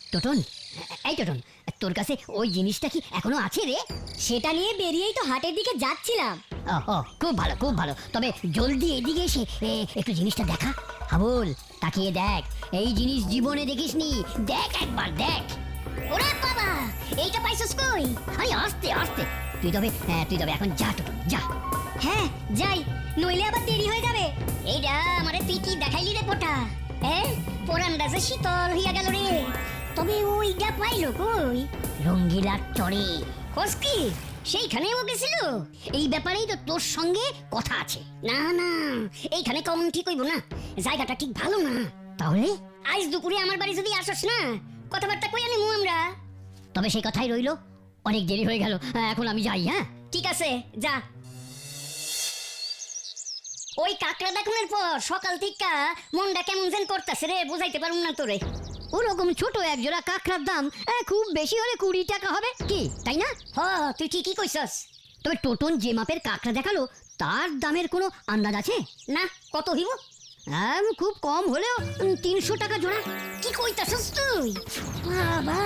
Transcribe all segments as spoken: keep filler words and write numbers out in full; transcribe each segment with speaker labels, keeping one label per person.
Speaker 1: টোটন, এই টোটন, তোর কাছে ওই জিনিসটা কি এখনো আছে রে?
Speaker 2: সেটা নিয়ে বেরিয়েই তো হাটের দিকে যাচ্ছিলাম।
Speaker 1: ও খুব ভালো খুব ভালো, তবে জলদি এদিকে এসে এ, একটু জিনিসটা দেখা। হাবুল, তাকিয়ে দেখ, এই জিনিস জীবনে দেখিসনি, দেখ একবার দেখ।
Speaker 2: ওরে বাবা, এইটা পাইছস কই?
Speaker 1: আরে আস্তে আস্তে, তুই তবে হ্যাঁ, তুই তবে এখন যা টোটন, যা।
Speaker 2: হ্যাঁ যাই, নইলে আবার দেরি হয়ে যাবে। এইটা আমারে তুই কি দেখাইলি রে পোটা? হ্যাঁ, পোরানটা যে শীতল হইয়া গেল রে। তবে ওইটা পাইলো কই?
Speaker 1: রঙ্গিলার চরে।
Speaker 2: কসকি সেইখানেও গেছিল?
Speaker 1: এই ব্যাপারেই তো তোর সঙ্গে কথা আছে।
Speaker 2: না না, এইখানে কম ঠিক হইব না, জায়গাটা ঠিক ভালো না।
Speaker 1: তাহলে
Speaker 2: আজ দুপুরে আমার বাড়ি যদি আসস না, কথাবার্তা কই আনিমু আমরা।
Speaker 1: তবে সেই কথাই রইলো, অনেক দেরি হয়ে গেল, এখন আমি যাই। হ্যাঁ
Speaker 2: ঠিক আছে, যা। ওই কাকড়া দেখানোর পর সকাল থেকে মনটা কেমন যেন করতেছে রে, বুঝাইতে পারুম না তোরে।
Speaker 1: ওরকম ছোট এক জোড়া কাঁকড়ার দাম আহ, খুব বেশি হলে কুড়ি টাকা হবে, কি তাই না?
Speaker 2: হ, তুই ঠিকই কইছস।
Speaker 1: তবে টোটন যে মাপের কাঁকড়া দেখালো তার দামের কোনো আন্দাজ আছে?
Speaker 2: না, কত হইব?
Speaker 1: আম, খুব কম হলেও উম, তিনশো টাকা জোড়া।
Speaker 2: কি কইতাছস তুই? বাবা,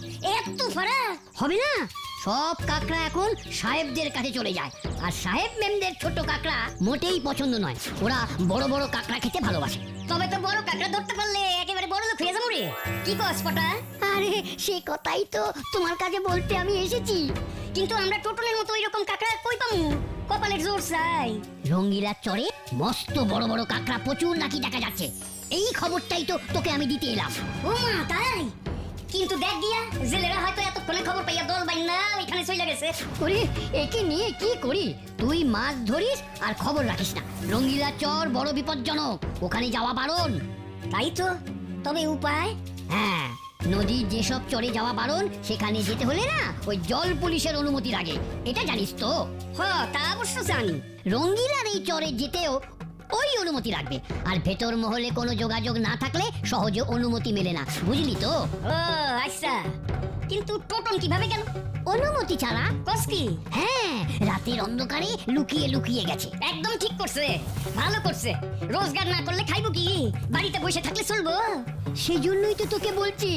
Speaker 2: এত ফারাক
Speaker 1: হবে না? সব কাঁকড়া এখন সাহেবদের কাছে চলে যায়, আর সাহেব মেমদের ছোট কাঁকড়া মোটেই পছন্দ নয়, ওরা বড় বড় কাঁকড়া খেতে ভালোবাসে।
Speaker 2: তবে তো বড় কাকড়া ধরতে পারলে একেবারে বড় লোক হয়ে যাবো রে। কি কস পটা?
Speaker 1: আরে সে কথাই তো তোমার কাছে বলতে আমি এসেছি।
Speaker 2: কিন্তু আমরা টোটনের মতো ওইরকম কাকড়া কই পামু? কপালের জোর চাই।
Speaker 1: রঙ্গিলার চরে মস্ত বড় বড় কাঁকড়া প্রচুর নাকি দেখা যাচ্ছে, এই খবরটাই তো তোকে আমি দিতে এলাম।
Speaker 2: ও মা, তাই? কিন্তু দেখ গিয়া, জেলেরা হয়তো এতক্ষণে খবর পাইয়া দল বাইন্দা ওইখানে চলে গেছে।
Speaker 1: ওরে, একে নিয়ে কি করি? তুই মাছ ধরিস আর খবর রাখিস না। রঙ্গিলা চর বড় বিপজ্জনক, ওখানে যাওয়া বারণ।
Speaker 2: তাই তো, তবে উপায়?
Speaker 1: হ্যাঁ, নদীর যেসব চরে যাওয়া বারণ, সেখানে যেতে হলে না ওই জল পুলিশের অনুমতি লাগে, এটা জানিস তো?
Speaker 2: হ, তা অবশ্য জানি।
Speaker 1: রঙ্গিলার এই চরে যেতেও ওই অনুমতি লাগবে, আর ভেতর মহলে কোনো যোগাযোগ না থাকলে সহজে অনুমতি মেলে না, বুঝলি তো?
Speaker 2: ও আচ্ছা, কিন্তু টোটন কিভাবে গেল?
Speaker 1: অনুমতি ছাড়া।
Speaker 2: কস কি?
Speaker 1: হ্যাঁ, রাতের অন্ধকারে লুকিয়ে লুকিয়ে গেছে।
Speaker 2: একদম ঠিক করছে, ভালো করছে। রোজগার না করলে খাইবো কি? বাড়িতে বসে থাকলে চলবো?
Speaker 1: সেই জন্যই তো তোকে বলছি,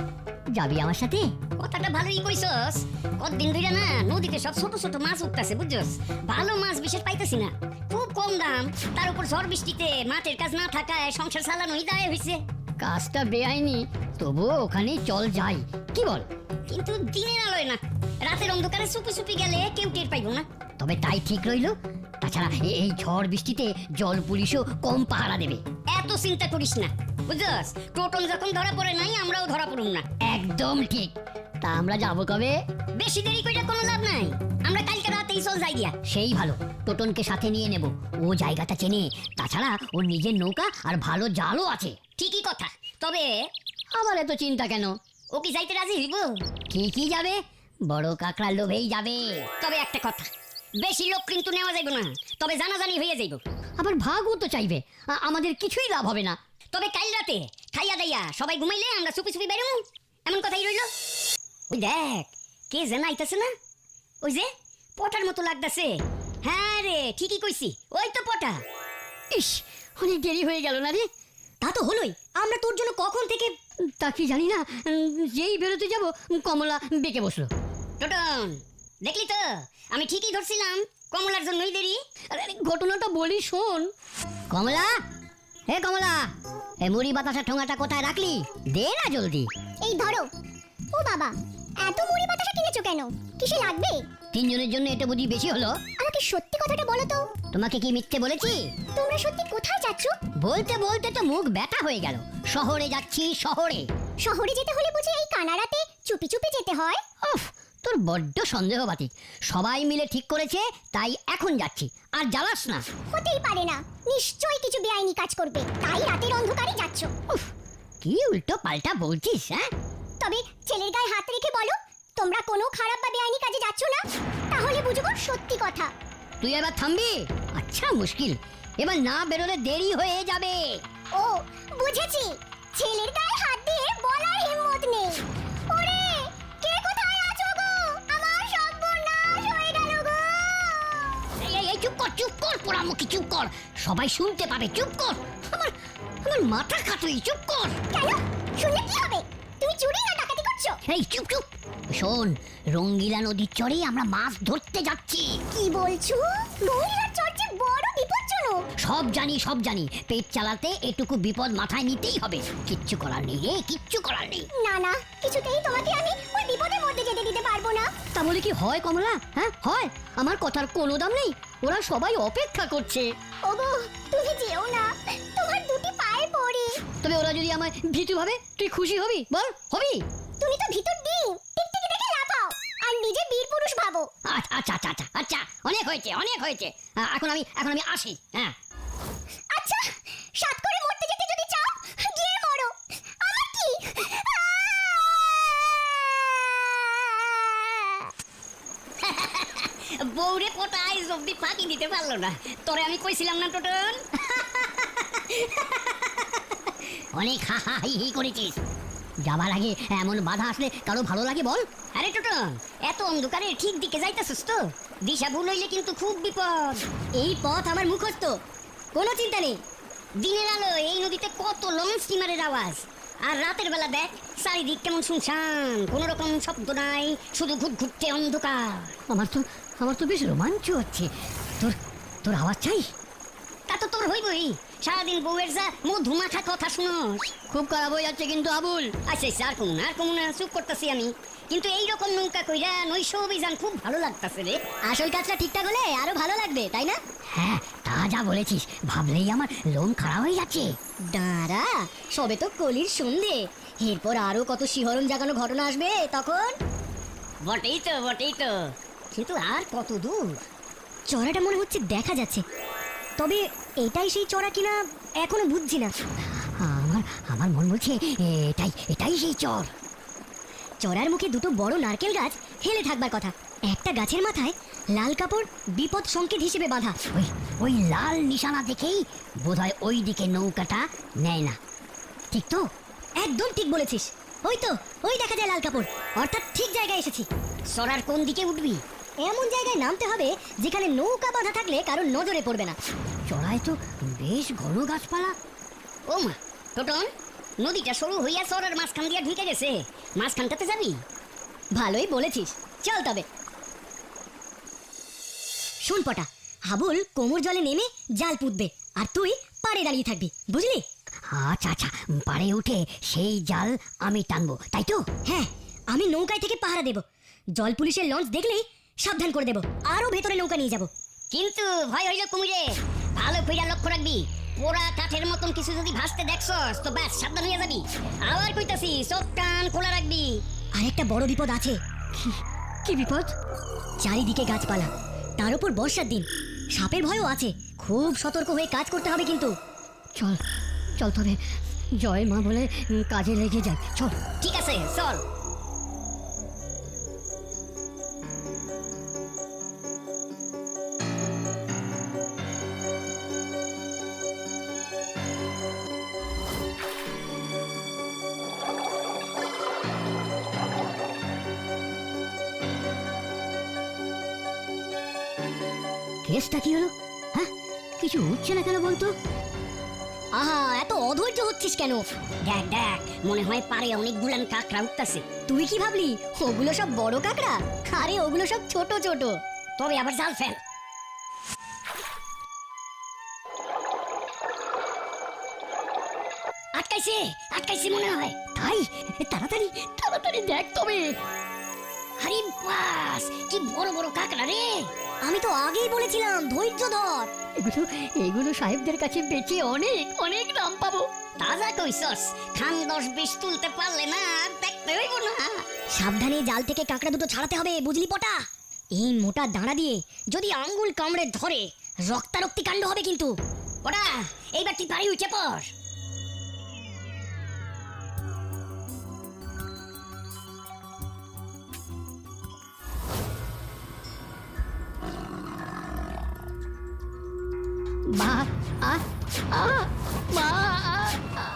Speaker 1: যাবি আমার সাথে?
Speaker 2: কথাটা ভালোই কইছস। কতদিন ধরে না নদীতে সব ছোট ছোট মাছ উঠতেছে, বুঝছস? ভালো মাছ বিশেষ পাইতেছি না, খুব কম দাম। তার উপর ঝড় বৃষ্টিতে মাঠের কাজ না থাকায় সংসার চালানোই দায় হইছে।
Speaker 1: কাজটা বেআইনি, তবুও ওখানে চল যাই, কি বল?
Speaker 2: কিন্তু দিনের আলোয় না, রাতের অন্ধকারে চুপি চুপি গেলে কেউ টের পাইবো না।
Speaker 1: তবে তাই ঠিক রইলো। তাছাড়া এ- এই ঝড় বৃষ্টিতে জল পুলিশও কম পাহারা দেবে।
Speaker 2: এত চিন্তা করিস না, বুঝছস? টোটন যখন ধরা পড়ে নাই, আমরাও ধরা পড়ুম না।
Speaker 1: একদম ঠিক। তা আমরা যাবো কবে?
Speaker 2: বেশি দেরি কইরা কোনো লাভ নাই, আমরা কালকে রাতেই চল যাই গিয়া।
Speaker 1: সেই ভালো, টোটনকে সাথে নিয়ে নেব, ও জায়গাটা চেনে। তাছাড়া ওর নিজের নৌকা আর ভালো জালও আছে।
Speaker 2: ঠিকই কথা, তবে
Speaker 1: আবার এত চিন্তা কেন?
Speaker 2: ও কি যাইতে রাজি হইব?
Speaker 1: ঠিকই যাবে, বড় কাকড়া লোভেই যাবে।
Speaker 2: তবে একটা কথা, বেশি লোক কিন্তু নেওয়া যাইব না, তবে জানাজানি হয়ে যাইব।
Speaker 1: আবার ভাগও তো চাইবে, আ- আমাদের কিছুই লাভ হবে না।
Speaker 2: তবে কাল রাতে খাইয়া দাইয়া সবাই ঘুমাইলে আমরা চুপি চুপি বেরোমু, এমন কথাই রইল। ওই দেখ, কে যেন আইতাছে না? ওই যে পটার মতো লাগতাছে। হ্যাঁ রে, ঠিকই কইছি, ওই তো পটা।
Speaker 1: ইস, অনেক দেরি হয়ে গেল না রে?
Speaker 2: তা তো হলোই, আমরা তোর জন্য কখন থেকে।
Speaker 1: তা কি জানি না, উম, যেই বেরোতে যাব কমলা বেঁকে বসলো।
Speaker 2: টোটন, দেখলি তো, আমি ঠিকই ধরছিলাম, কমলার জন্যই দেরি।
Speaker 1: আরে আরে, ঘটনাটা বলি শোন। কমলা, হে কমলা, এই মুড়ি বাতাসা ঠোঙাটা কোথায় রাখলি? দে না জলদি।
Speaker 3: এই ধরো। ও বাবা, এত মুড়ি বাতাসা কিনেছো কেন? কিসে লাগবে?
Speaker 1: তিনজনের জন্য এটা বুঝি বেশি হলো?
Speaker 3: আমাকে সত্যি কথাটা বলো তো।
Speaker 1: তোমাকে কি মিথ্যে বলেছি?
Speaker 3: তোমরা সত্যি কোথায় যাচ্ছ?
Speaker 1: বলতে বলতে তো মুখ ব্যথা হয়ে গেল। শহরে যাচ্ছি, শহরে।
Speaker 3: শহরে যেতে হলে বুঝি এই কানাড়াতে চুপি চুপি যেতে হয়?
Speaker 1: উফ, তোর বড্ড সন্দেহবাতিক। সবাই মিলে ঠিক করেছে, তাই এখন যাচ্ছি। আর জ্বালাস না।
Speaker 3: হতেই পারে না, নিশ্চয়ই কিছু বেআইনি কাজ করবে, তাই রাতের অন্ধকারে যাচ্ছ।
Speaker 1: উফ, কি উল্টো পাল্টা বলছিস? হ্যাঁ,
Speaker 3: তবে ছেলের গায়ে হাত রেখে বলো, তোমরা কোনো খারাপ বা বেআইনি কাজে যাচ্ছ না, তাহলে বুঝবো সত্যি কথা।
Speaker 1: তুই এবার থামবি? আচ্ছা, মুশকিল, এবার না বেরোলে দেরি হয়ে যাবে।
Speaker 3: ও বুঝেছি, ছেলের গায়ে হাত দিয়ে বলার হিম্মত নেই। ওরে, কে কোথায় আছো গো? আমার সর্বনাশ হয়ে গেল গো।
Speaker 1: এই এই, এই চুপ কর, চুপ কর, পোড়ামুখী চুপ কর, সবাই শুনতে পাবে, চুপ কর। আমার আমার মাথা খাতুই, চুপ কর।
Speaker 3: কেন? শুনলে কি হবে? তুমি চুরি না ডাকাতি
Speaker 1: এই চুপ চুপ শোন, রঙ্গিলা নদীর চরে আমরা মাছ ধরতে যাচ্ছি।
Speaker 3: কি বলছো? রঙ্গিলার চর্চে বড় বিপজ্জনক।
Speaker 1: সব জানি সব জানি, পেট চালাতে এটুকু বিপদ মাথায় নিতেই হবে। কিচ্ছু করার নেই রে, কিচ্ছু করার নেই।
Speaker 3: না না, কিছুতেই তোমাকে আমি ওই বিপদের মধ্যে যেতে দিতে পারবো না।
Speaker 1: তা বলে কি হয় কমলা? হ্যাঁ হয়, আমার কথার কোনো দাম নেই। ওরা সবাই অপেক্ষা করছে।
Speaker 3: ওগো, তুমি যেও না, তোমার দুটি পায়ে পড়ি।
Speaker 1: তবে ওরা যদি আমায় ভীতু ভাবে, তুই খুশি হবি? বল, হবি?
Speaker 3: তুমি তো ভিতর ডিম, টিকটিকি দেখে লাফাও আর নিজে বীর পুরুষ ভাবো।
Speaker 1: আচ্ছা আচ্ছা আচ্ছা আচ্ছা আচ্ছা অনেক হয়েছে, অনেক হয়েছে। আহ, এখন আমি এখন আমি আসি। হ্যাঁ
Speaker 3: আচ্ছা, সাত করে মরতে যেতে যদি চাও গিয়ে মরো, আমার কি?
Speaker 2: বউরে পটা আইজ অব্দি ফাঁকি দিতে পারলো না। তোরে আমি কইছিলাম না টোটন?
Speaker 1: অনেক হা হা হি হি করেছিস। যাবার আগে এমন বাধা আসলে কারো ভালো লাগে বল?
Speaker 2: আরে টোটন, এত অন্ধকারে ঠিক দিকে যাইতাছিস তো? দিশা ভুল হইলে কিন্তু খুব বিপদ। এই পথ আমার মুখস্থ, কোনো চিন্তা নেই। দিনের আলো এই নদীতে কত লঞ্চ স্টিমারের আওয়াজ, আর রাতের বেলা দেখ চারিদিক কেমন শুনশান, কোন রকম শব্দ নাই, শুধু ঘুট ঘুরতে অন্ধকার।
Speaker 1: আমার তো আমার তো বেশ রোমাঞ্চ হচ্ছে। তোর তোর আওয়াজ চাই?
Speaker 2: তা তো তোর হইবই, সারাদিন বউয়ের যা মধু মাখা কথা শুনোস।
Speaker 1: খুব খারাপ হয়ে যাচ্ছে কিন্তু আবুল।
Speaker 2: আচ্ছা আচ্ছা, আর কমুন আর কমুন, চুপ করতেছি আমি। কিন্তু এইরকম নৌকা কইরা নৈশ অভিযান খুব ভালো লাগতাছে রে।
Speaker 3: আসল কাজটা ঠিকঠাক হলে আরো ভালো লাগবে, তাই না?
Speaker 1: হ্যাঁ তা যা বলেছিস, ভাবলেই আমার লোম খারাপ হয়ে যাচ্ছে।
Speaker 3: দাঁড়া, সবে তো কলির সন্ধে, এরপর আরো কত শিহরণ জাগানো ঘটনা আসবে তখন।
Speaker 2: বটেই তো বটেই তো, কিন্তু আর কত দূর?
Speaker 3: চড়াটা মনে হচ্ছে দেখা যাচ্ছে, তবে এটাই সেই চড়া কিনা এখনো বুঝছি না।
Speaker 1: আমার আমার মন বলছে এটাই এটাই সেই চর।
Speaker 3: চড়ার মুখে দুটো বড় নারকেল গাছ হেলে থাকবার কথা, একটা গাছের মাথায় লাল কাপড় বিপদ সংকেত হিসেবে বাঁধা।
Speaker 1: ওই ওই লাল নিশানা দেখেই বোধহয় ওই দিকে নৌকাটা নেয় না। ঠিক তো?
Speaker 3: একদম ঠিক বলেছিস, ওই তো ওই দেখা যায় লাল কাপড়, অর্থাৎ ঠিক জায়গায় এসেছি।
Speaker 2: সরার কোন দিকে উঠবি?
Speaker 3: এমন জায়গায় নামতে হবে যেখানে নৌকা বাঁধা থাকলে কারোর নজরে পড়বে না।
Speaker 1: চড়ায় তো বেশ ঘন গাছপালা।
Speaker 2: ও মা, টোটন, নদীটা সরু হইয়া সরার মাঝখান দিয়া ঢুকে গেছে, মাঝখানটাতে যাবি?
Speaker 3: ভালোই বলেছিস, চল তবে। শোন পটা, হাবুল কোমর জলে নেমে জাল পুঁতবে, আর তুই পাড়ে দাঁড়িয়ে থাকবি, বুঝলি?
Speaker 1: আচ্ছা আচ্ছা, পাড়ে উঠে সেই জাল আমি টানবো, তাই তো?
Speaker 3: হ্যাঁ, আমি নৌকায় থেকে পাহারা দেব, জল পুলিশের লঞ্চ দেখলেই সাবধান করে দেব, আরো ভেতরে নৌকা নিয়ে যাব।
Speaker 2: কিন্তু ভয় হইল কুমিরে, ভালো কইরা লক্ষ্য রাখবি। পোড়া কাঠের মতন কিছু যদি ভাসতে দেখছস তো ব্যাস সাবধান হইয়া যাবি। আবার কইতাছি, চোখ কান খোলা রাখবি।
Speaker 3: আরেকটা বড় বিপদ আছে।
Speaker 1: কি বিপদ?
Speaker 3: চারিদিকে গাছপালা, তার উপর বর্ষার দিন, সাপের ভয়ও আছে, খুব সতর্ক হয়ে কাজ করতে হবে কিন্তু।
Speaker 1: চল চল তবে, জয় মা বলে উম, কাজে লেগে যাই, চল।
Speaker 2: ঠিক আছে, চল।
Speaker 1: কেসটা কি হলো? হ্যাঁ, কিছু হচ্ছে না কেন বলতো?
Speaker 3: আহা, এত অধৈর্য হচ্ছিস কেন?
Speaker 2: দেখ দেখ, মনে হয় পারে অনেকগুলান কাকড়া উঠতাছে।
Speaker 3: তুই কি ভাবলি ওগুলো সব বড় কাকড়া? আরে ওগুলো সব ছোট ছোট।
Speaker 2: তবে আবার জাল ফেল। আটকাইছে আটকাইছে মনে হয়।
Speaker 1: তাই তাড়াতাড়ি তাড়াতাড়ি দেখ তবে।
Speaker 2: আরে বাস, কি বড় বড় কাকড়া রে!
Speaker 3: আমি তো আগেই বলেছিলাম ধৈর্য ধর।
Speaker 1: এগুলো এগুলো সাহেবদের কাছে বেচে অনেক অনেক দাম পাবো।
Speaker 2: তাজা কইছস, খান দশ বিশ তুলতে পারলে না আর দেখতে হইব না।
Speaker 3: সাবধানে জাল থেকে কাঁকড়া দুটো ছাড়াতে হবে, বুঝলি পটা? এই মোটা দাঁড়া দিয়ে যদি আঙ্গুল কামড়ে ধরে রক্তারক্তি কাণ্ড হবে কিন্তু।
Speaker 2: ওরা এইবার তুই বাড়ি উঠে পড়।
Speaker 1: মা আ আ মা আ, আ।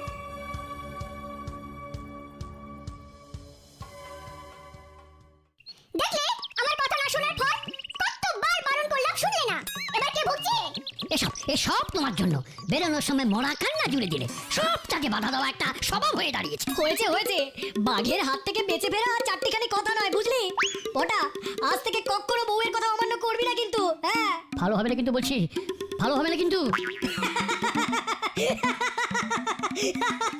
Speaker 3: দেখলে আমার কথা না শোনার ফল? কতবার বারণ করলাম, শুনলে না। এবার কে ভুগছে?
Speaker 1: এসব এসব তোমার জন্য বেরোনোর সময় মরা কান্না জুড়ে দিলে সবটাকে বাধা দেওয়া একটা স্বভাব হয়ে দাঁড়িয়েছে।
Speaker 2: হয়েছে হয়েছে বাঘের হাত থেকে বেঁচে ফেরা আর চারটিখানি কথা নয়, বুঝলি? ওটা আজ থেকে কখনো বউয়ের কথা অমান্য করবি না কিন্তু। হ্যাঁ,
Speaker 1: ভালো হবে না কিন্তু বলছি, ভালো হবে না কিন্তু।